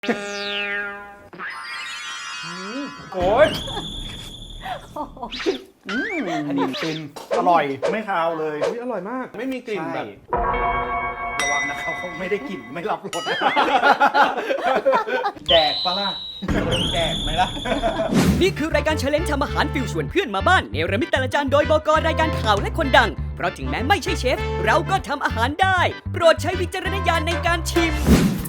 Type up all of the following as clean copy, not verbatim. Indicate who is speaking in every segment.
Speaker 1: โอ้ยอันนี้เป็นอร่อยไม่คาวเลยอร่อยมากไม่มีกลิ่นแบบระวังนะครับเขาไม่ได้กลิ่นไม่รับรสแดกปะล่ะแดกไหมล่ะ
Speaker 2: นี่คือรายการเชลเลนจ์ทำอาหารฟิวชวนเพื่อนมาบ้านเนรมิตแต่ละจานโดยบก.รายการข่าวและคนดังเพราะถึงแม้ไม่ใช่เชฟเราก็ทำอาหารได้โปรดใช้วิจารณญาณในการชิม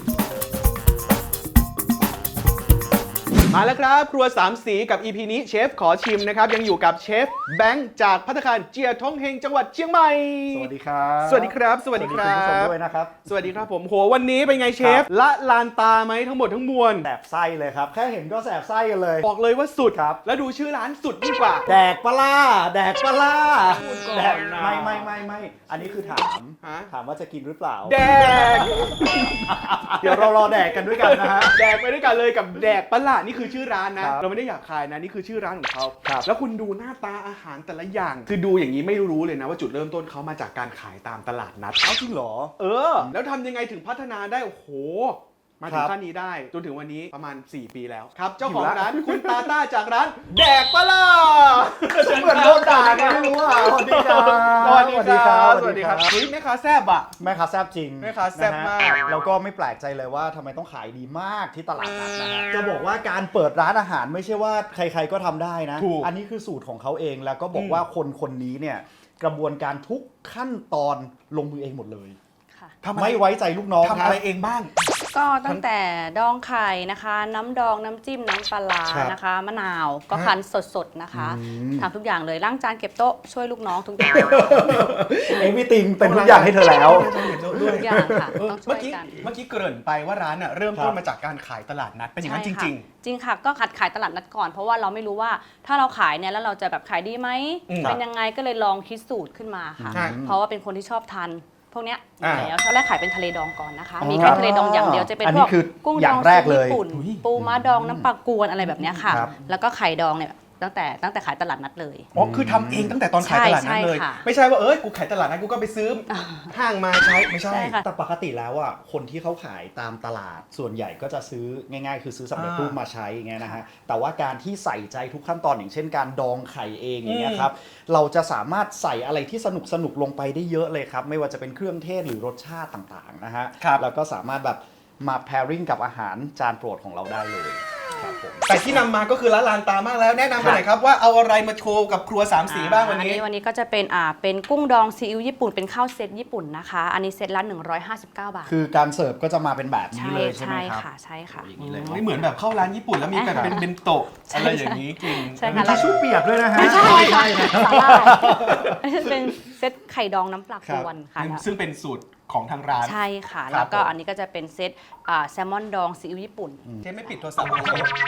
Speaker 1: มาแล้วครับครัวสามสีกับ EP นี้เชฟขอชิมนะครับยังอยู่กับเชฟแบงค์จากภัตตาคารเจียท้องเฮงจังหวัดเชียงใหม่
Speaker 3: สวัสดีครับ
Speaker 1: สวัสดีครับสวัสดีครับ
Speaker 3: คุณผู้ชมด้วยนะครับ
Speaker 1: สวัสดีครับผมโหวันนี้เป็นไงเชฟละลานตาไหมทั้งหมดทั้งมวล
Speaker 3: แสบไส้เลยครับแค่เห็นก็แสบไส้กันเลย
Speaker 1: บอกเลยว่าสุด
Speaker 3: ครับ
Speaker 1: แล้วดูชื่อร้านสุดยิ่งกว่า
Speaker 3: แดกปลาแดกปลา
Speaker 1: พูดก่อน
Speaker 3: แดก
Speaker 1: นะ
Speaker 3: ไม่อันนี้คือถาม
Speaker 1: ฮะ
Speaker 3: ถามว่าจะกินหรือเปล่า
Speaker 1: แดก
Speaker 3: เดี๋ยวเรารอแดกกันด้วยกันนะฮะ
Speaker 1: แดกไปด้วยกันเลยกับแดกปะล่ะนี่คือชื่อร้านนะ
Speaker 3: ครับ
Speaker 1: เราไม่ได้อยากขายนะนี่คือชื่อร้านของเขา
Speaker 3: ครับ
Speaker 1: แล้วคุณดูหน้าตาอาหารแต่ละอย่าง คือดูอย่างนี้ไม่รู้เลยนะว่าจุดเริ่มต้นเขามาจากการขายตามตลาดนัด
Speaker 3: เอาจริงเหรอ
Speaker 1: แล้วทำยังไงถึงพัฒนาได้โอ้โหมาถึ
Speaker 3: ค
Speaker 1: ง
Speaker 3: รับ
Speaker 1: ขั้นนี้ได้จนถึงวันนี้ประมาณ4 ปีแล้วครับเจ้าของ
Speaker 3: อยู่ละ
Speaker 1: ร้านคุณตาต้าจากร้านแดกปะล่ะ
Speaker 3: เหมือนโดนด่าไงไม่รู้อ่ะสวัสดีครับ
Speaker 1: สวัสดีครับ
Speaker 3: สวัสดีครับ
Speaker 1: เฮ้ยแม่ค้าแซบอ่ะ
Speaker 3: แม่ค้าแซ่บจริง
Speaker 1: แม่ค้าแซ่บมาก
Speaker 3: นะฮะแล้วก็ไม่แปลกใจเลยว่าทำไมต้องขายดีมากที่ตลาดนัดนะฮะจะบอกว่าการเปิดร้านอาหารไม่ใช่ว่าใครๆก็ทำได้นะ
Speaker 1: ถูก
Speaker 3: อันนี้คือสูตรของเขาเองแล้วก็บอกว่าคนนี้เนี่ยกระบวนการทุกขั้นตอนลงมือเองหมดเลย
Speaker 4: ค่ะ
Speaker 1: ทำอะไร
Speaker 3: ไม่ไว้ใจลูกน้อง
Speaker 1: ทำอะไรเองบ้าง
Speaker 4: ก็ตั้งแต่ดองไข่นะคะ น้ำดองน้ำจิ้มน้ำปลาร้า
Speaker 3: ครับ
Speaker 4: นะคะ มะนาวก็คั้นสดๆนะคะทำทุกอย่างเลยล้างจานเก็บโต๊ะช่วยลูกน้องทุกอย่าง
Speaker 3: เอวิติงเป็นทุกอย่างให้เธอแล้ว
Speaker 4: ทุกอย่างค่ะต้องช่
Speaker 1: เมื่
Speaker 4: ว
Speaker 1: อย กี้
Speaker 4: กัน
Speaker 1: เมื่อกี้เกริ่นไปว่าร้านเริ่มต้นมาจากการขายตลาดนัดเป็นอย่างนั้นจ
Speaker 4: ใช่ค่ะ
Speaker 1: ริง
Speaker 4: จริงค่ะก็ขายตลาดนัดก่อนเพราะว่าเราไม่รู้ว่าถ้าเราขายเนี่ยแล้วเราจะแบบขายดีไหม
Speaker 1: อืม
Speaker 4: เป็นยังไงก็เลยลองคิดสูตรขึ้นมาค่ะ
Speaker 1: ใช่
Speaker 4: เพราะว่าเป็นคนที่ชอบทานพวกเนี้ยอ
Speaker 1: อ่า
Speaker 4: ยู่แล้วตอนแรกขายเป็นทะเลดองก่อนนะคะ
Speaker 3: อ๋อ
Speaker 4: มีแค่ทะเลดองอย่างเดียวจะเป็น
Speaker 3: อัน
Speaker 4: พ
Speaker 3: นี้
Speaker 4: วก
Speaker 3: คือ
Speaker 4: กุ้ง
Speaker 3: อ
Speaker 4: ด
Speaker 3: ย่า
Speaker 4: อง ง
Speaker 3: แร
Speaker 4: ซี
Speaker 3: กเลย
Speaker 4: ญี่ปุ่น ปูม้าดองน้ำปลากวนอะไรแบบเนี้ยค่ะ
Speaker 3: ครับ
Speaker 4: แล้วก็ไข่ดองเนี่ยตั้งแต่ขายตลาดนัดเลย
Speaker 1: ๆอ๋อคือทำเองตั้งแต่ตอนขายตลาดนัดเลย
Speaker 4: ใช่ค่ะ
Speaker 1: ไม่ใช่ว่ากูขายตลาดนัดกูก็ไปซื้อห้างมาใช้ไม่ใช่
Speaker 4: ใช่ค่ะ
Speaker 3: แต่ปกติแล้วอ่ะคนที่เขาขายตามตลาดส่วนใหญ่ก็จะซื้อง่ายๆ คือซื้อสำเร็จรูปมาใช้อย่างเงี้ยนะฮะแต่ว่าการที่ใส่ใจทุกขั้นตอนอย่างเช่นการดองไข่เองอย่างเงี้ยครับเราจะสามารถใส่อะไรที่สนุกลงไปได้เยอะเลยครับไม่ว่าจะเป็นเครื่องเทศหรือรสชาติต่างๆนะฮะ
Speaker 1: ครับ
Speaker 3: แล้วก็สามารถแบบมา pairing กับอาหารจานโปรดของเราได้เลยครับผม
Speaker 1: แต่ที่นำมาก็คือละลานตามากแล้วแนะนำไปหน่อยครับว่าเอาอะไรมาโชว์กับครัวสามสีบ้างวันนี้
Speaker 4: วันนี้ก็จะเป็นกุ้งดองซีอิ๊วญี่ปุ่นเป็นข้าวเซตญี่ปุ่นนะคะ อันนี้เซตละ159 บาท
Speaker 3: คือการเสิร์ฟก็จะมาเป็นแบบนี้
Speaker 4: ใช่
Speaker 3: เลยใช่ไหม
Speaker 4: ใช่
Speaker 3: ครับ
Speaker 4: ค่ะใช่ค่ะ
Speaker 3: อย่างนี้เลย
Speaker 1: ไม่เหมือนแบบเข้าร้านญี่ปุ่นแล้วมีแบบเป็นเบนโตะอะไรอย่างนี้กิน
Speaker 4: ใช่
Speaker 3: มี
Speaker 4: ค่ะ
Speaker 3: ทิชชู่เปียกด้วยนะฮะ
Speaker 4: ไม่ใช่
Speaker 3: ใช่นะ
Speaker 4: สาหร่ายอันนี้เป็นเซตไข่ดองน้ำปลากวนค่ะ
Speaker 1: ซึ่งเป็นสูตรของทางร้าน
Speaker 4: ใช่ค่ะ แล้วก็อันนี้ก็จะเป็นเซตแซลมอนดองซีอิ๊วญี่ปุ่น
Speaker 1: เจ๊ไม่ปิดโทรศัพท์เลย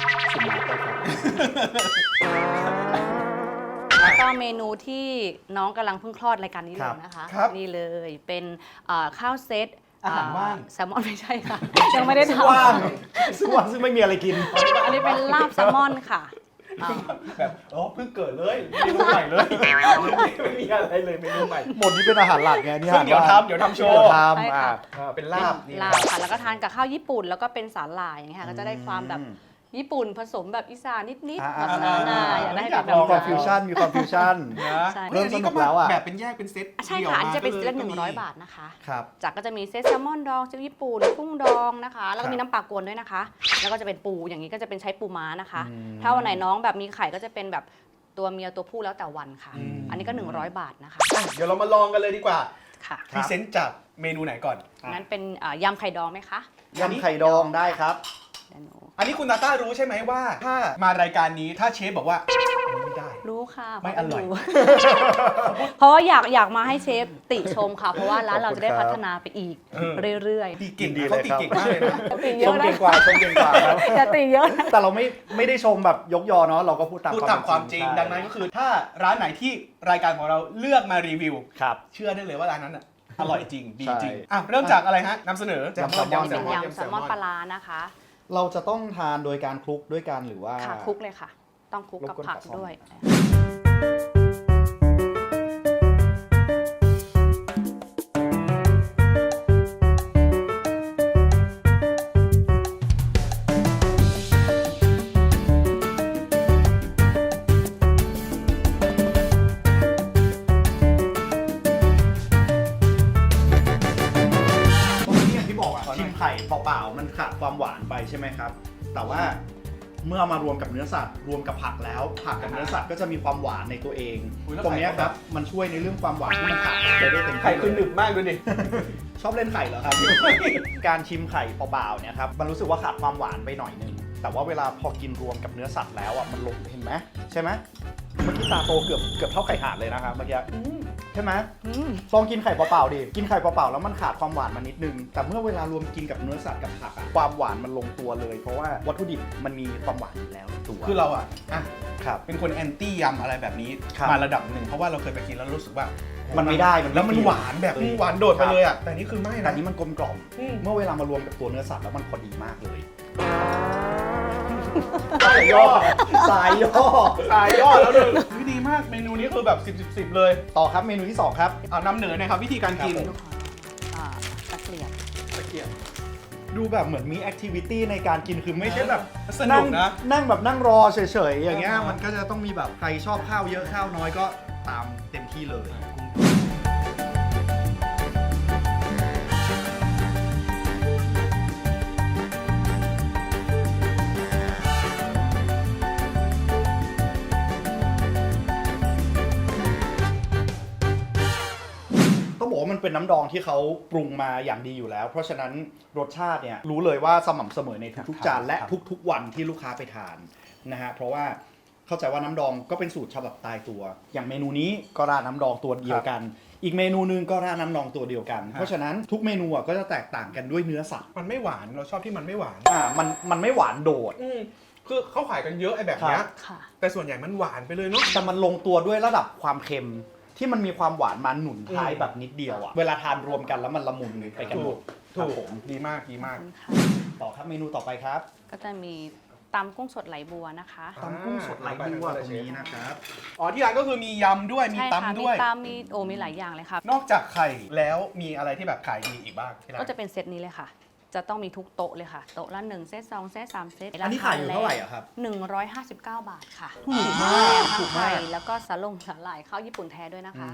Speaker 4: แล้วก็เมนูที่น้องกำลังเพิ่งคลอดรายการนี้เลยนะคะ
Speaker 1: ครับ
Speaker 4: นี่เลยเป็นข้าวเซต
Speaker 1: อาหารว่าง
Speaker 4: แซลมอนไม่ใช่ค่ะ ยังไม่ได้ท
Speaker 3: ว่างซึ่งไม่มีอะไรกิน
Speaker 4: ำอันนี้เป็นลาบแซลมอนค่ะ
Speaker 1: แบบเพิ่งเกิดเลยเมนูใหม่เลยไม่มีอะไรเลยเมนูใหม่
Speaker 3: หมดนี่เป็นอาหารหลักไงนี่
Speaker 1: ซึ่งเดี๋ยวทำโชว์
Speaker 3: เดี๋ยวท
Speaker 4: ใช่
Speaker 3: ำ
Speaker 4: ค่ะ
Speaker 1: เป็นลาบนี่
Speaker 4: ลาบค่ะแล้วก็ทานกับข้าวญี่ปุ่นแล้วก็เป็นสาหร่ายอย่างเงี้ยค่ะก็จะได้ความแบบญี่ปุ่นผสมแบบอีสานนิดๆแบบนาๆอยากได้ให้เป็นแบ
Speaker 3: มี
Speaker 4: บ
Speaker 3: ความฟิวชั่นมีความฟิวชั่น
Speaker 1: นะ
Speaker 4: ใช่
Speaker 3: เริ่มสนุกแล้วอะ
Speaker 1: แบบเป็นแยกเป็นเซต
Speaker 4: ใช่ค่ะอันนี้จะเป็นเซตละ100 บาทนะคะ
Speaker 3: ครับ
Speaker 4: จากก็จะมีเซตแซลมอนดองซีอิ๊วญี่ปุ่นกุ้งดองนะคะ แล้วก็มีน้ำปลากวนด้วยนะคะ แล้วก็จะเป็นปูอย่างนี้ก็จะเป็นใช้ปูม้านะคะ ถ้าวันไหนน้องแบบมีไข่ก็จะเป็นแบบตัวเมียตัวผู้แล้วแต่วันค่ะ อันนี้ก็100 บาทนะคะ
Speaker 1: เดี๋ยวเรามาลองกันเลยดีกว่า
Speaker 4: ค่ะ
Speaker 1: พรีเซนต์จากเมนูไหนก่อน
Speaker 4: งั้นเป็นยำไข่ดองไหมคะ
Speaker 3: ยำไข่ดองได้ครับ
Speaker 4: เดี๋ยวหนู
Speaker 1: อันนี้คุณตาต้ารู้ใช่ไหมว่า ถ้ามารายการนี้ถ้าเชฟบอกว่าไม่ได้
Speaker 4: รู้ค่ะ
Speaker 1: ไม่อร่อย
Speaker 4: เพราะว่าอยากมาให้เชฟติชมค่ะ เพราะว่าร้านเราจะได้พัฒนาไปอีกเรื่อย
Speaker 1: ตีเก่ง
Speaker 3: ดี
Speaker 1: นะ
Speaker 3: เลย
Speaker 1: เขาตีเก่งมากเลยนะ
Speaker 4: ๆติเย
Speaker 3: ช
Speaker 4: อะ
Speaker 3: ม
Speaker 4: นะ
Speaker 3: เก่งกว่าชมเก่งกว่าครับ
Speaker 4: อย่าติเยอะนะ
Speaker 3: แต่เราไม่ได้ชมแบบยกยอเนาะเราก็พูดตาม
Speaker 1: พูดตามความจริง
Speaker 3: ใช่
Speaker 1: ดังนั้นก็คือถ้าร้านไหนที่รายการของเราเลือกมารีวิว
Speaker 3: ครับ
Speaker 1: เชื่อได้เลยว่าร้านนั้นอ่ะอร่อยจริงดีจริง
Speaker 3: ใช่
Speaker 1: อ่ะเริ่มจากอะไรฮะนำเสนอย
Speaker 3: ำแซลมอน
Speaker 4: นี่เป็นยำแซลมอนปลาร้านะคะ
Speaker 3: เราจะต้องทานโดยการคลุกด้วยกันหรือว่า
Speaker 4: ค่ะคลุกเลยค่ะ ต้องคลุกกับ
Speaker 3: รบกวน
Speaker 4: ผัก
Speaker 3: ขอซ่อม
Speaker 4: ด้วย
Speaker 3: วานไปใช่ไหมครับแต่ว่าเมื่อมารวมกับเนื้อสัตว์รวมกับผักแล้วผักกับเนื้อสัตว์ก็จะมีความหวานในตัวเอง ตรงนี้ครับมันช่วยในเรื่องความหวานที่มันขาดไปได้เต็มที่
Speaker 1: ไข่คือหนึบมากดูดิ
Speaker 3: ชอบเล่นไข่เหรอครับ การชิมไข่เปล่าๆเนี่ยครับมันรู้สึกว่าขาดความหวานไปหน่อยนึงแต่ว่าเวลาพอกินรวมกับเนื้อสัตว์แล้วอ่ะมันลงเห็นไหมใช่ไหมเมื่อกี้ตาโตเกือบเท่าไข่ห่านเลยนะครับเมื่อกี้ใช่ไหมลองกินไข่เปล่าๆดิกินไข่เปล่าๆแล้วมันขาดความหวานมานิดนึงแต่เมื่อเวลารวมกินกับเนื้อสัตว์กับผักอะความหวานมันลงตัวเลยเพราะว่าวัตถุดิบมันมีความหวานอยู่แล้วในตัว
Speaker 1: คือเรา
Speaker 3: ครับ
Speaker 1: เป็นคนแอนตี้ยำอะไรแบบนี้
Speaker 3: ครับ
Speaker 1: มาระดับหนึ่งเพราะว่าเราเคยไปกินแล้วรู้สึกว่า
Speaker 3: มันไม่ได้มันไม่
Speaker 1: แล้วมันหวานแบบ
Speaker 3: เออ
Speaker 1: หวานโดดไปเลยอ่ะแต่นี่คือไม่
Speaker 3: แต่
Speaker 1: นะ
Speaker 3: อันนี้มันกลมกล่อม
Speaker 1: อืม
Speaker 3: เมื่อเวลามารวมกับตัวเนื้อสัตว์แล้วมันพอดีมากเลย
Speaker 1: สายย่อ
Speaker 3: สายย่อ
Speaker 1: สายย่อแล้วเลยดีมากเมนูนี้คือแบบ10 เลย
Speaker 3: ต่อครับเมนูที่ 2 ครับ
Speaker 1: เอานำเหนือหนะครับวิธีการกิน
Speaker 3: ครับผม
Speaker 4: ตะเกียบ
Speaker 1: ตะเกียบ
Speaker 3: ดูแบบเหมือนมีแอคทิวิตี้ในการกินคือไม่ใช่แบบ
Speaker 1: สนุกนะ
Speaker 3: นั่งแบบนั่งรอเฉยๆอย่างเงี้ยมันก็จะต้องมีแบบใครชอบข้าวเยอะข้าวน้อยก็ตามเต็มที่เลย ต้องบอกว่ามันเป็นน้ำดองที่เขาปรุงมาอย่างดีอยู่แล้ว เพราะฉะนั้นรสชาติเนี่ยรู้เลยว่าสม่ำเสมอในทุกๆจานและทุกๆวันที่ลูกค้าไปทานนะฮะเพราะว่าเข้าใจว่าน้ำดองก็เป็นสูตรฉบับตายตัว อย่างเมนูนี้ก็ราดน้ำดองตัวเดียวกัน อีกเมนูนึงก็ราดน้ำดองตัวเดียวกัน เพราะฉะนั้นทุกเมนูก็จะแตกต่างกันด้วยเนื้อสัตว์
Speaker 1: มันไม่หวานเราชอบที่มันไม่หวาน
Speaker 3: มันไม่หวานโดด
Speaker 1: คือเขาขายกันเยอะไอ้แบบเนี้ย
Speaker 4: ค่ะ
Speaker 1: แต่ส่วนใหญ่มันหวานไปเลยเนาะ
Speaker 3: แต่มันลงตัวด้วยระดับความเค็มที่มันมีความหวานมาหนุนท้ายแบบนิดเดียวอะเวลาทานรวมกันแล้วมันละมุนไปกันหมดครับผม
Speaker 1: ดีมากดีมาก
Speaker 4: ค่ะ
Speaker 3: ต่อครับเมนูต่อไปครับ
Speaker 4: ก็จะมีตำกุ้งสดไหลบัวนะคะ
Speaker 3: ตำกุ้งสดไหลบัวตรงนี้นะครับ
Speaker 1: อ๋อที่ร้านก็คือมียำด้วยมี
Speaker 4: ใช่ค่ะ
Speaker 1: ตำ
Speaker 4: มี
Speaker 1: ด้วย
Speaker 4: ตำมีหลายอย่างเลยค่ะ
Speaker 1: นอกจากไข่แล้วมีอะไรที่แบบขายดีอีกบ้างที่ร้าน
Speaker 4: ก็จะเป็นเซตนี้เลยค่ะ จะต้องมีทุกโต๊ะเลยค่ะ โต๊ะละ1 เซต 2 เซต 3 เซต
Speaker 3: อันนี้ขายอยู่เท่าไหร่อะครับ
Speaker 4: 159 บาทค่ะ
Speaker 3: ถูกมากถู
Speaker 4: ทั้
Speaker 3: ก
Speaker 4: ง
Speaker 3: มาก
Speaker 4: ไข่แล้วก็สาหร่ายข้าวญี่ปุ่นแท้ด้วยนะคะ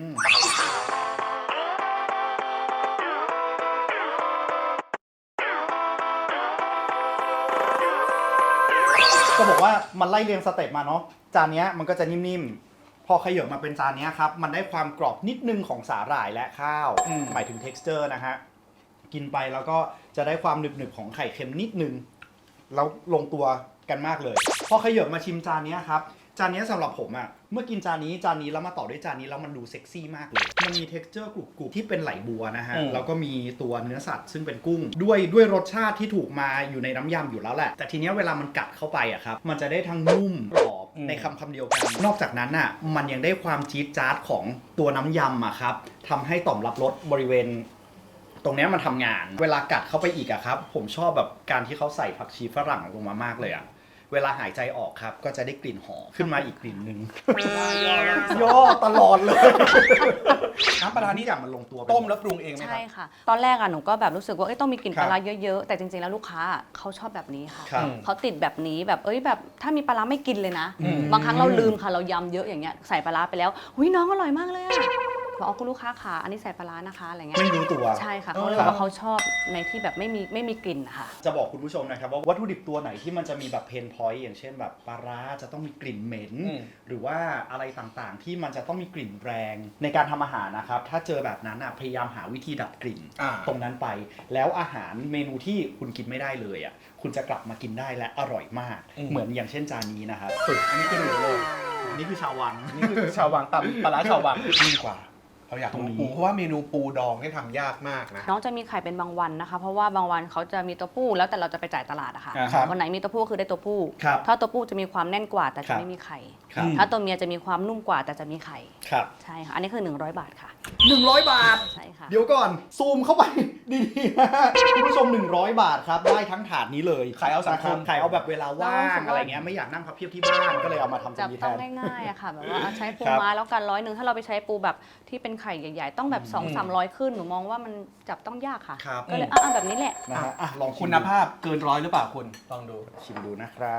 Speaker 3: จะบอกว่ามันไล่เรียงสเต็ปมาเนาะจานเนี้ยมันก็จะนิ่มๆ พอขยับมาเป็นจานเนี้ยครับมันได้ความกรอบนิดนึงของสาหร่ายและข้าวหมายถึง texture นะฮะกินไปแล้วก็จะได้ความหนึบๆของไข่เค็มนิดนึงแล้วลงตัวกันมากเลย พอขยับมาชิมจานเนี้ยครับจานเนี้ยสำหรับผมอะเมื่อกินจานนี้แล้วมาต่อด้วยจานนี้แล้วมันดูเซ็กซี่มากเลยมันมี texture กรุบๆที่เป็นไหลบัวนะฮะแล้วก็มีตัวเนื้อสัตว์ซึ่งเป็นกุ้งด้วยรสชาติที่ถูกมาอยู่ในน้ำยำอยู่แล้วแหละแต่ทีเนี้ยเวลามันกัดเข้าไปอะครับมันจะได้ทั้งนุ่มกรอบในคำเดียวกันนอกจากนั้นอะมันยังได้ความจี๊ดจ๊าดของตัวน้ำยำอะครับทำให้ต่อมรับรสบริเวณ ตรงเนี้ยมันทำงานเวลากัดเข้าไปอีกอะครับผมชอบแบบการที่เขาใส่ผักชีฝรั่งลงมามากเลยอะเวลาหายใจออกครับก็จะได้กลิ่นหอมขึ้นมาอีกกลิ่นหนึ่งย่อตลอดเลย
Speaker 1: น้ำปลาร้านี่
Speaker 3: อย่างมันลงตัวไป
Speaker 1: ต้มแล้วปรุงเองไหมค
Speaker 4: ใช่
Speaker 1: รับ
Speaker 4: ค่ะ ตอนแรกอะหนูก็แบบรู้สึกว่าต้องมีกลิ่น
Speaker 3: ครับ
Speaker 4: ปลาร้าเยอะๆ แต่จริงๆแล้วลูกค้าเขาชอบแบบนี้ค่ะ
Speaker 3: ครับ
Speaker 4: เขาติดแบบนี้แบบแบบถ้ามีปลาร้าไม่กินเลยนะ บางครั้งเราลืมค่ะเรายำเยอะอย่างเงี้ยใส่ปลาร้าไปแล้วหุยน้องอร่อยมากเลยอะบอกคุณลูกค้าค่ะอันนี้ใส่ปลาร้านะคะอะไรเงี้ย
Speaker 3: ไม่รู้ตัว
Speaker 4: ใช่ค่ะเขาเลยบอกว่าเขาชอบในที่แบบไม่มีกลิ่นค่ะ
Speaker 3: จะบอกคุณผู้ชมนะครับว่าวัตถุดิบตัวไหนที่มันจะมีแบบเพนพอยต์อย่างเช่นแบบปลาร้าจะต้องมีกลิ่นเหม็น หรือว่าอะไรต่างๆที่มันจะต้องมีกลิ่นแรงในการทำอาหารนะครับถ้าเจอแบบนั้นพยายามหาวิธีดับกลิ่นตรงนั้นไป แล้วอาหารเมนูที่คุณกินไม่ได้เลยคุณจะกลับมากินได้และอร่อยมากเหมือนอย่างเช่นจานนี้นะครับ
Speaker 1: อันนี้คือหนูเลย
Speaker 3: นี่คือชาววัง
Speaker 1: นี่คือชาววังตำปลาร้าชาววังดีกว่าเราอยาก
Speaker 3: ตรงนี้
Speaker 1: รู้ปูเพราะว่าเมนูปูดองเนี่ยทำยากมากนะ
Speaker 4: น้องจะมีไข่เป็นบางวันนะคะ เพราะว่าบางวันเขาจะมีตัวผู้แล้วแต่เราจะไปจ่ายตลาดอะค่ะ
Speaker 3: ครับ
Speaker 4: วันไหนมีตัวผู้คือได้ตัวผู้
Speaker 3: ครับ
Speaker 4: ถ้าตัวผู้จะมีความแน่นกว่าแต่
Speaker 3: ครั
Speaker 4: จะ
Speaker 3: บ
Speaker 4: ไม่มีไข่
Speaker 3: ครับ
Speaker 4: ถ้าตัวเมียจะมีความนุ่มกว่าแต่จะมีไข่
Speaker 3: ครับ
Speaker 4: ใช่ค่ะ อันนี้คือ100 บาทค่ะ
Speaker 3: 100 บาท
Speaker 4: ใช่ค่ะ
Speaker 3: เดี๋ยวก่อนซูมเข้าไป ดีๆนะคุณผู้ชม100 บาทครับได้ทั้งถาดนี้เลย
Speaker 1: ขายเอาสังคม
Speaker 3: ขายเอาแบบเวลาว่าง
Speaker 4: เรา
Speaker 3: อะไรเงี้ยไม่อยากนั่งพับเพียบที่บ้านก็เลยเอามาทำตร
Speaker 4: จับ
Speaker 3: งนี้แท
Speaker 4: ต้อง
Speaker 3: น
Speaker 4: ง่ายๆอะค่ะแบบว่าเอาใช้ปู
Speaker 3: ครับ
Speaker 4: ม้าแล้วกัน100ถ้าเราไปใช้ปูแบบที่เป็นไข่ใหญ่ๆ ต้องแบบ200-300ขึ้นหนูมองว่ามันจับต้องยากค่ะ
Speaker 3: ครับ
Speaker 4: ก็เลยเอาแบบนี้แหละ
Speaker 3: นะฮะลองชิม
Speaker 1: คุณภาพเกินร้อยหรือเปล่าคุณลองดู
Speaker 3: ชิมดูนะครับ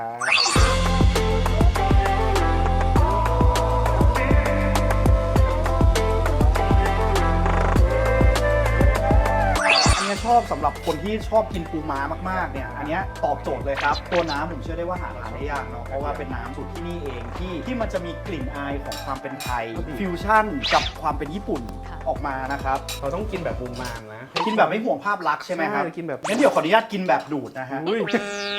Speaker 3: อันนี้นี้ชอบสำหรับคนที่ชอบกินปูม้ามากๆเนี่ยอันเนี้ยตอบโจทย์เลยครับตัวน้ำผมเชื่อได้ว่าหาทานได้ยากเนาะเพราะว่าเป็นน้ำสูตรที่นี่เองที่มันจะมีกลิ่นอายของความเป็นไทยฟิวชั่นกับความเป็นญี่ปุ่นออกมานะครับ
Speaker 1: เราต้องกินแบบมุมมามนะ
Speaker 3: กินแบบไม่ห่วงภาพลักษณ์ใช่ไหมครับ
Speaker 1: ใช่กินแบบ
Speaker 3: งั้นเดี๋ยวขออนุญาตกินแบบดูดนะฮะ
Speaker 1: อุ้ย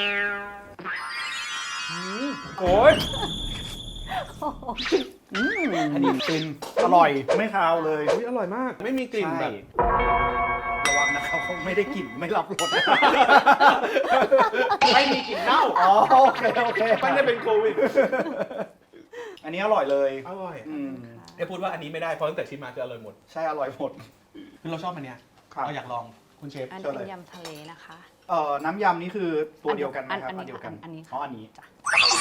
Speaker 1: โอ้ย
Speaker 3: อันนี้ฟินอร่อยไม่คาวเลย
Speaker 1: อุ้ยอร่อยมาก ไม่มีกลิ่นแบบ
Speaker 3: ระวังนะครับเขาไม่ได้กลิ่นไม่รับรส
Speaker 1: ไม่มีกลิ่นเน่า
Speaker 3: อ๋อโอเค
Speaker 1: ไม่ได้เป็นโควิด
Speaker 3: อันนี้อร่อยเลย
Speaker 1: อร่อย
Speaker 3: อืม
Speaker 1: ได้พูดว่าอันนี้ไม่ได้เพราะตั้งแต่ชิมมาคืออร่อยหมด
Speaker 3: ใช่อร่อยหมด
Speaker 1: คือเราชอบอันเนี้ย
Speaker 3: ครับ
Speaker 1: เราอยากลองคุณเชฟ
Speaker 4: อัน
Speaker 3: เชิญ
Speaker 4: เป็
Speaker 3: เลย
Speaker 4: นยำทะเลนะคะ
Speaker 3: น้ำยำนี่คือตัวเดียวกันไหมครับ
Speaker 4: อันนี้
Speaker 3: เดียวกัน
Speaker 4: อันนี้ค่ะ
Speaker 3: อ๋ออันนี้
Speaker 4: จ้ะ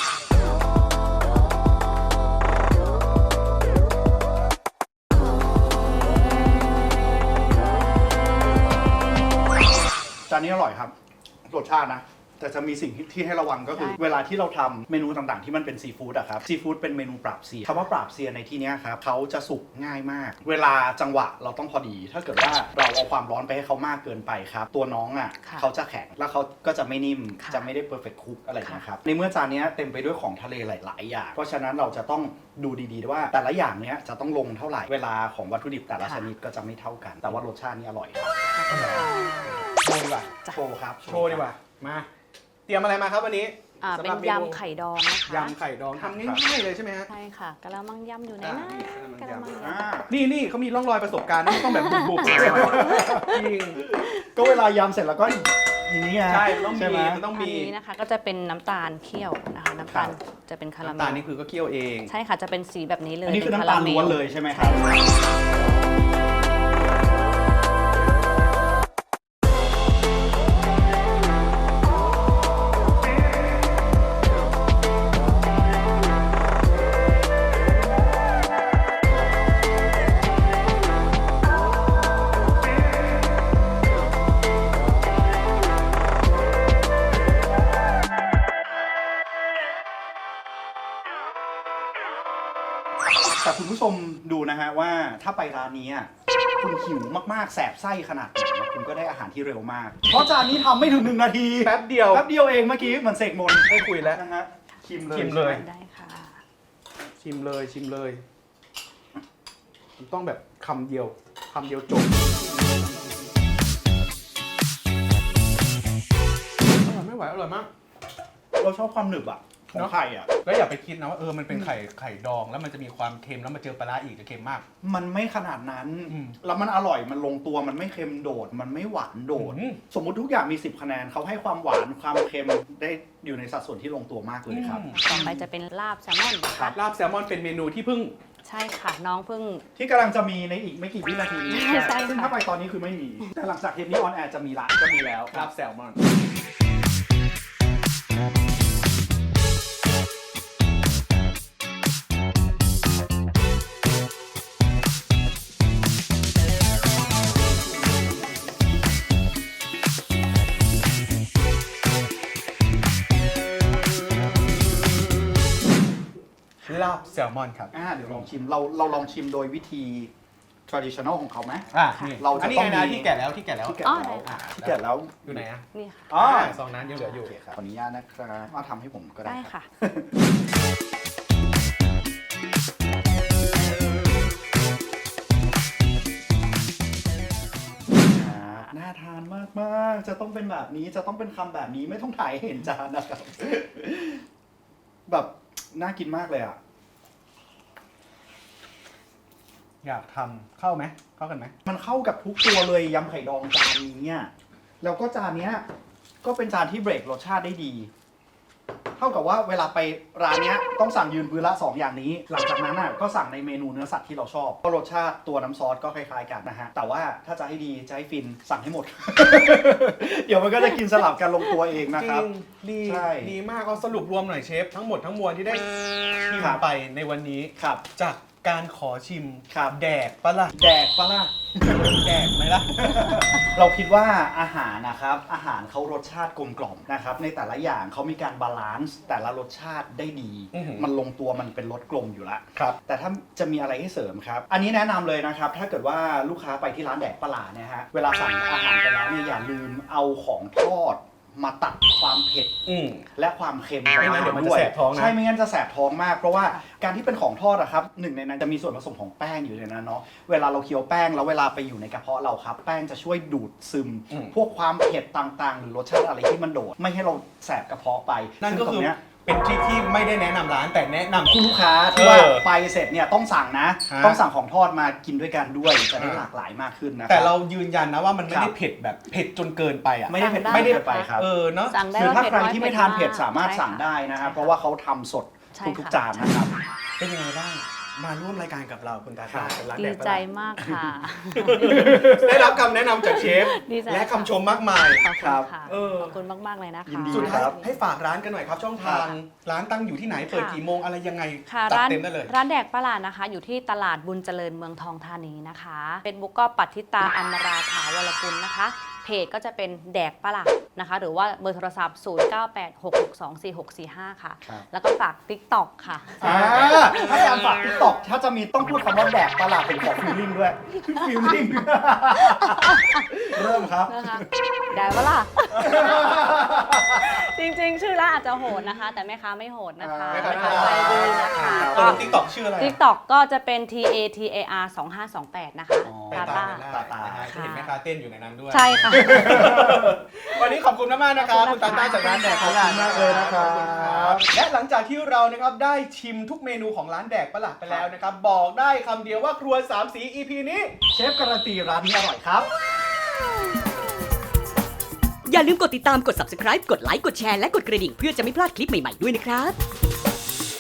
Speaker 3: จานนี้อร่อยครับรสชาตินะ แต่จะมีสิ่งที่ให้ระวังก็คือเวลาที่เราทำเมนูต่างๆที่มันเป็นซีฟู้ดอะครับซีฟู้ดเป็นเมนูปราบเซียนคำว่าปราบเซียนในที่นี้ครับเขาจะสุกง่ายมาก เวลาจังหวะเราต้องพอดี ถ้าเกิดว่าเราเอาความร้อนไปให้เขามากเกินไปครับตัวน้องอะเขาจะแข็งแล้วเขาก็จะไม่นิ่มจะไม่ได้เพอร์เฟคคุกอะไรนะครับในเมื่อจานนี้เต็มไปด้วยของทะเลหลายๆอย่างเพราะฉะนั้นเราจะต้องดูดีๆว่าแต่ละอย่างเนี้ยจะต้องลงเท่าไหร่เวลาของวัตถุดิบแต่ละชนิดก็จะไม่เท่ากัน แต่ว่ารสชาตินี่อร่อยครับ
Speaker 1: โชว์ดีกว่า
Speaker 3: โชว์ครับ
Speaker 1: โชว์ดีกว่า มา เตรียมอะไรมาครับวันนี้
Speaker 4: เป็นยำไข่ดองนะคะ
Speaker 1: ยำไข่ดองทำง่ายๆเลยใช่ไหมฮะ
Speaker 4: ใช่ค่ะกะละมังยำอยู่ไหนนะกะละมังย
Speaker 3: อ่า
Speaker 1: นี่เขามีร่องรอยประสบการณ์นะไม่ต้องแบบบุบๆจริง
Speaker 3: ก็เวลายำเสร็จแล้วก็อย่างนี้ไง
Speaker 1: ใช่มันต้องมี
Speaker 3: ใช่ไห
Speaker 1: มันต้อง
Speaker 4: ำอัน
Speaker 1: มี
Speaker 4: นี้นะคะก็จะเป็นน้ำตาลเคี่ยวนะคะน้ำตาลจะเป็นคาราเม
Speaker 1: น้ำตาล
Speaker 4: ล
Speaker 1: นี่คือก็เคี่ยวเอง
Speaker 4: ใช่ค่ะจะเป็นสีแบบนี้เลย
Speaker 3: อันนี้คือ
Speaker 4: ป็
Speaker 3: น้ำตาล
Speaker 4: รม
Speaker 3: ล้วนเลยใช่ไหมครับ แต่คุณผู้ชมดูนะฮะว่าถ้าไปร้านนี้อะคุณหิวมากๆแสบไส้ขนาดไหนคุณก็ได้อาหารที่เร็วมาก เพราะจานนี้ทำไม่ถึง1 นาที
Speaker 1: แป๊บเดียว
Speaker 3: แป๊บเดียวเองเมื่อกี้เหมือนเสกมนต์
Speaker 1: ได้คุยแล้ว
Speaker 3: นะฮะชิมเลย
Speaker 1: ชิมเลย
Speaker 3: ใช่ไห
Speaker 4: ได้ค่ะ
Speaker 1: ชิมเลยมันต้องแบบคำเดียวจบไม่ไหวอร่อยมาก
Speaker 3: เราชอบความหนึบอะของ
Speaker 1: เนอะ
Speaker 3: ไข่อะ
Speaker 1: แล้วอย่าไปคิดนะว่ามันเป็นไข่ดองแล้วมันจะมีความเค็มแล้วมาเจอปลาร้าอีกจะเค็มมาก
Speaker 3: มันไม่ขนาดนั้น
Speaker 1: อืม
Speaker 3: แล้วมันอร่อยมันลงตัวมันไม่เค็มโดด มันไม่หวานโดด
Speaker 1: อืม
Speaker 3: สมมุติทุกอย่างมี10 คะแนนเขาให้ความหวานความเค็มได้อยู่ในสัดส่วนที่ลงตัวมากเลยครับ
Speaker 4: ต่อไปจะเป็นลาบแซลมอนนะคะ
Speaker 1: ลาบแซลมอนเป็นเมนูที่เพิ่ง
Speaker 4: ใช่ค่ะน้องเพิ่ง
Speaker 3: ที่กำลังจะมีในอีกไม่กี่วินาทีนี้
Speaker 4: ใช่ค่ะ
Speaker 3: ซึ่งถ้าไปตอนนี้คือไม่มี แต่หลังจากเทปนี้ออนแอร์จะมีละก็มีแล้ว
Speaker 1: ลาบแซลมอนลาบแซลมอนครับ
Speaker 3: เดี๋ยวลองชิมเราลองชิมโดยวิธี traditional ของเขาไหม
Speaker 1: นี่
Speaker 3: เราจะ
Speaker 1: อันนี้
Speaker 3: ต้อง
Speaker 1: ไงนะ
Speaker 3: มี
Speaker 1: ที่แกะแล้วที่แกะแล้ว
Speaker 3: ที่แกะ
Speaker 4: อ๋อ
Speaker 3: แล้ว
Speaker 4: ได้ค่ะ
Speaker 3: ที่แกะแล้ว
Speaker 1: อยู่ไหนอะ
Speaker 4: นี่ค่ะ
Speaker 3: อ๋อ
Speaker 1: ซองนั้นยังเหลืออยู่
Speaker 3: โอเคครับขออนุญาตนะครับมาทำให้ผมก็ได้
Speaker 4: ได้
Speaker 3: ครับ
Speaker 4: ค่ะ
Speaker 3: น่าทานมากๆจะต้องเป็นแบบนี้จะต้องเป็นคำแบบนี้ไม่ต้องถ่ายให้เห็นจานนะครับ แบบน่ากินมากเลยอ่ะ
Speaker 1: อยากทำเข้าไหมเข้ากันไหม
Speaker 3: มันเข้ากับทุกตัวเลยยำไข่ดองจานนี้เนี่ยแล้วก็จานเนี้ยก็เป็นจานที่เบรกรสชาติได้ดี เท่ากับว่าเวลาไปร้านเนี้ยต้องสั่งยืนพื้นละ2 อย่างนี้ หลังจากนั้นน่ะก็สั่งในเมนูเนื้อสัตว์ที่เราชอบเพราะรสชาติตัวน้ำซอสก็คล้ายๆกันนะฮะแต่ว่าถ้าจะให้ดีจะให้ฟินสั่งให้หมด เดี๋ยวมันก็จะกินสลับกันลงตัวเองนะครับ
Speaker 1: ดี
Speaker 3: ใช่
Speaker 1: ดีมากเอาสรุปรวมหน่อยเชฟ ทั้งหมดทั้งมวลที่ได้ชิม
Speaker 3: ครับ
Speaker 1: ไปในวันนี้
Speaker 3: ครับ
Speaker 1: จากการขอชิม
Speaker 3: ครับ
Speaker 1: แดกปะล่ะ
Speaker 3: แดกปะล่ะ
Speaker 1: แดกไหมล่ะ
Speaker 3: เราคิดว่าอาหารนะครับอาหารเขารสชาติกลมกล่อมนะครับในแต่ละอย่างเขามีการบาลานซ์แต่ละรสชาติได้ดี มันลงตัวมันเป็นรสกลมอยู่แล้ว
Speaker 1: ครับ
Speaker 3: แต่ถ้าจะมีอะไรให้เสริมครับอันนี้แนะนำเลยนะครับถ้าเกิดว่าลูกค้าไปที่ร้านแดกปลาหลาเนี่ยฮะเวลาสั่งอาหารไปแล้วเนี่ยอย่าลืมเอาของทอดมาตัดความเผ็ดและความเค็ม
Speaker 1: ไม่งั้นเดี๋ยวมันจะแสบท้องนะ
Speaker 3: ใช่ไม่งั้นจะแสบท้องมากเพราะว่าการที่เป็นของทอดอะครับหนึ่งในนั้นจะมีส่วนผสมของแป้งอยู่ในนั้นเนาะเวลาเราเคี้ยวแป้งแล้วเวลาไปอยู่ในกระเพาะเราครับแป้งจะช่วยดูดซึม พวกความเผ็ดต่างๆ หรือรสชาติอะไรที่มันโดดไม่ให้เราแสบกระเพาะไป
Speaker 1: นั่นก็
Speaker 3: ซึ่งต
Speaker 1: คื
Speaker 3: ร
Speaker 1: อง
Speaker 3: เนี้ย
Speaker 1: เป็นทริคที่ไม่ได้แนะนำร้านแต่แนะนำ
Speaker 3: คุณลูกค้าที่ว่า
Speaker 1: เออ
Speaker 3: ไปเสร็จเนี่ยต้องสั่งนะ
Speaker 1: ฮะ
Speaker 3: ต้องสั่งของทอดมากินด้วยกันด้วยจะได้หลากหลายมากขึ้นนะคบ
Speaker 1: แต่เรายืนยันนะว่ามันไม่
Speaker 3: ครั
Speaker 1: ได้
Speaker 3: บ
Speaker 1: เผ็ดแบบเผ็ดจนเกินไปอ่ะ
Speaker 3: ไม่ได้เผ็ด
Speaker 4: สั่งได้
Speaker 3: ไม่ได้เผ็ดไปครับ
Speaker 1: เนาะ
Speaker 4: สั่งได้
Speaker 3: หรือ
Speaker 4: ว่า
Speaker 3: ถ้า
Speaker 4: เผ็ด
Speaker 3: ใคร
Speaker 4: น้อย
Speaker 3: ที่
Speaker 4: เผ็
Speaker 3: ไม่
Speaker 4: ด
Speaker 3: ทานเผ็ด
Speaker 4: ก
Speaker 3: สามารถ
Speaker 4: ใช่
Speaker 3: สั่ง
Speaker 4: ค่ะ
Speaker 3: ได้นะครับ
Speaker 4: ใช่
Speaker 3: เพราะว่าเขาทำสด
Speaker 4: ใช่
Speaker 3: ทุก
Speaker 4: ค่ะ
Speaker 3: ๆจานนะครับ
Speaker 1: เป็นยังไงบ้างมาร่วมรายการกับเราคุณตาต้าเป็นร้าน
Speaker 4: ดี
Speaker 1: แดกปลา
Speaker 4: ใจ
Speaker 1: หลา
Speaker 4: มากค่ะ
Speaker 1: ได้รับคำแนะนำจากเชฟ
Speaker 4: ดีใจ
Speaker 1: และคำชมมากมาย
Speaker 4: ขอบ
Speaker 3: ครั
Speaker 4: คุณ
Speaker 3: บ
Speaker 4: ค่ะ
Speaker 1: เออ
Speaker 4: ขอบคุณมากๆเลยนะคะ
Speaker 3: ยินดี
Speaker 1: สุดท้าย
Speaker 3: ครับ
Speaker 1: ให้ฝากร้านกันหน่อยครับช่องทางร้านตั้งอยู่ที่ไหนเปิด
Speaker 4: ค่ะ
Speaker 1: กี่โมงอะไรยังไง
Speaker 4: ค่ะ
Speaker 1: จัด
Speaker 4: ร้าน
Speaker 1: เต็มได้เลย
Speaker 4: ร้านแดกประหลาดนะคะ อยู่ที่ตลาดบุญเจริญเมืองทองธานีนะคะเป็นบุ๊กก็ปัทธิตาอมราถาวรกุลนะคะ เพจก็จะเป็นแดกประหลาดนะคะ หรือว่าเบอร์โทรศัพท์ 0986624645 ค่ะ
Speaker 3: ครับ
Speaker 4: แล้วก็ฝาก TikTok ค่ะ
Speaker 3: ถ้าการฝากทิกตอกถ้าจะมีต้องพูดคำว่าแดกตลาดผมขอฟิลลิ่งด้วยฟิลลิ่ง เริ่มครับ
Speaker 4: นะคะได้ปะล่ะ จริงๆ ชื่อร้านอาจจะโหดนะคะ แต่แม่ค้าไม่โหดนะคะ
Speaker 3: แม่ค้า
Speaker 4: แม่ค้าใจดีนะคะ
Speaker 1: ต
Speaker 4: ก็
Speaker 1: รงติ๊กต็อกชื่ออะไร
Speaker 4: TikTok ก็จะเป็น TATAR 2528 นะคะ
Speaker 1: ไป
Speaker 4: ตา
Speaker 1: ตา
Speaker 4: ตา
Speaker 1: มกันได้นะฮะจะเห็นแม่ค้าเต้นอยู่ในนั้นด้วย
Speaker 4: ใช่ค่ะ
Speaker 1: วันนี้ขอบคุณมากๆนะครับ
Speaker 4: ขอบคุ
Speaker 1: คุณ
Speaker 4: ณ
Speaker 1: ตาต้าจากร้านแดก
Speaker 3: ขอบคุณมากเลยนะครับ
Speaker 1: ขอณและหลังจากที่เรานะครับได้ชิมทุกเมนูของร้านแดกประหลาดไปแล้วนะครับบอกได้คำเดียวว่าครัวสามสี EP นี้
Speaker 3: เชฟการันตีร้านนี้อร่อยครับ
Speaker 2: อย่าลืมกดติดตามกด subscribe กดไลค์กดแชร์และกดกระดิ่งเพื่อจะไม่พลาดคลิปใหม่ๆด้วยนะครับ